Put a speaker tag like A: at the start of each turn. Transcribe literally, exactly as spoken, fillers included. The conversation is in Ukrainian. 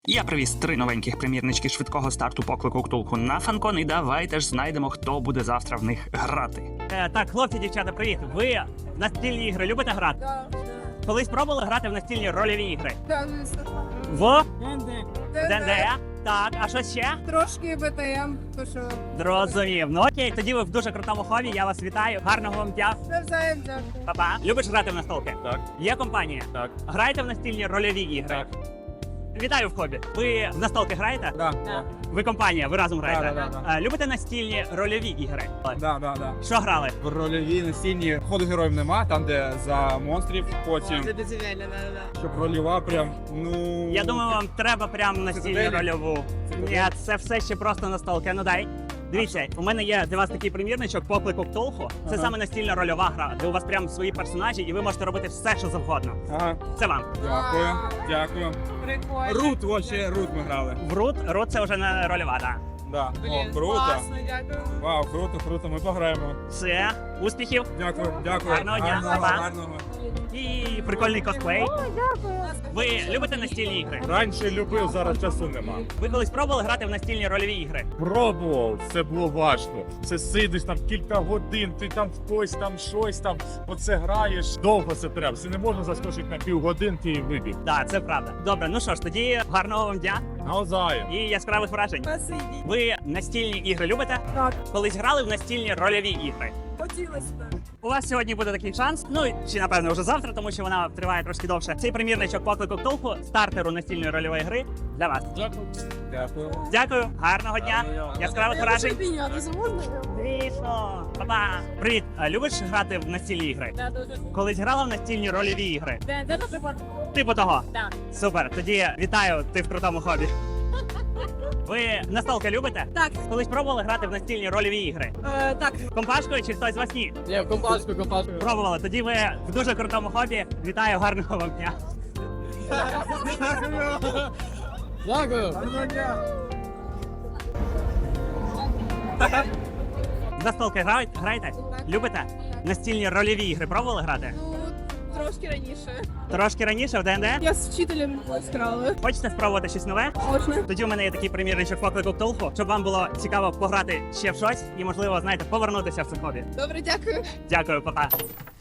A: Я привіз три новеньких примірнички швидкого старту поклику Ктулху на Фанкон, і давайте ж знайдемо, хто буде завтра в них грати.
B: Е, так, хлопці, дівчата, привіт. Ви в настільні ігри любите грати?
C: Да,
B: Колись пробували грати в настільні рольові ігри?
C: да, звісно.
B: В
C: Д
B: ДНД? Так, а що ще?
C: Трошки БТМ, то що
B: Зрозумів. Ну окей, тоді ви в дуже крутому хобі, я вас вітаю. Гарного вам дня.
C: навзаєм дякую.
B: Па-па. Любиш грати в настолки?
D: Так.
B: Є компанія?
D: Так.
B: Граєте в настільні рольові ігри?
D: Так.
B: Вітаю в хобі. Ви в настолки граєте?
D: Да.
B: Ви компанія, ви разом граєте?
D: Да, да, да, да.
B: Е, Любите настільні рольові ігри?
D: Да, да, да.
B: Що грали?
D: В рольовій настільні ходу героїв нема, там де за монстрів, потім,
C: дозвільно, да, да.
D: щоб рольова прям, ну...
B: Я думаю, вам треба прям настільну
D: Цитаделі?
B: рольову. Ні, це все ще просто настолки. Ну дай. Дивіться, у мене є для вас такий примірничок поклику Ктулху. Це
D: Ага.
B: саме настільна рольова гра, де у вас прям свої персонажі, і ви можете робити все, що завгодно.
D: Ага,
B: Це вам.
D: дякую, дякую.
C: Прикольно.
D: Рут, вообще, Рут ми грали.
B: В Рут, Рут це вже не рольова, так.
D: Да.
C: Блін,
D: О, круто.
C: класно, дякую.
D: Вау, круто, круто, ми пограємо.
B: Все, успіхів
D: Дякую, дякую.
B: Гарного дня,
D: Гарного,
B: па-па.
D: гарного.
B: і прикольний косплей. Ви любите настільні ігри?
E: Раніше любив, зараз часу нема.
B: Ви колись пробували грати в настільні рольові ігри?
E: Пробував, це було важко. Це сидиш там кілька годин, ти там в когось там щось там, оце граєш. Довго це треба. Це не можна заскочити на півгодинки і вибіг.
B: Так, це правда. Добре, ну що ж, тоді гарного вам дня
E: Навзаєм.
B: і яскравих вражень.
C: Спасибі.
B: Ви настільні ігри любите?
C: Так,
B: Колись грали в настільні рольові ігри?
C: хотілося б.
B: У вас сьогодні буде такий шанс, ну чи напевно вже завтра, тому що вона триває трошки довше. Цей примірничок поклику Ктулху, стартеру настільної рольової гри для вас.
D: Дякую.
B: Дякую, гарного дня, яскравих вражень.
C: піднятися можна?
B: Звісно, па-па. Привіт, а любиш грати в настільні ігри?
C: Да, дуже.
B: Колись грала в настільні рольові ігри?
C: Де, де, наприклад?
B: Типу того.
C: Так.
B: Супер, тоді вітаю, ти в крутому хобі. Ви настолки любите?
C: Так,
B: Колись пробували грати в настільні рольові ігри?
C: е, так.
B: Компашкою чи хтось з вас ні?
D: Ні, компашку, компашку.
B: Пробували. Тоді ви в дуже крутому хобі. Вітаю, гарного вам дня.
D: Дякую.
B: В настолки грають- граєте? Любите? Настільні рольові ігри пробували грати?
C: Ну, трошки раніше.
B: Трошки раніше в ДНД?
C: Я з вчителем грала.
B: Хочете спробувати щось нове?
C: Можна.
B: Тоді у мене є такий примірничок поклику Ктулху, щоб вам було цікаво пограти ще в щось і, можливо, знаєте, повернутися в це хобі.
C: Добре, дякую.
B: Дякую, па-па.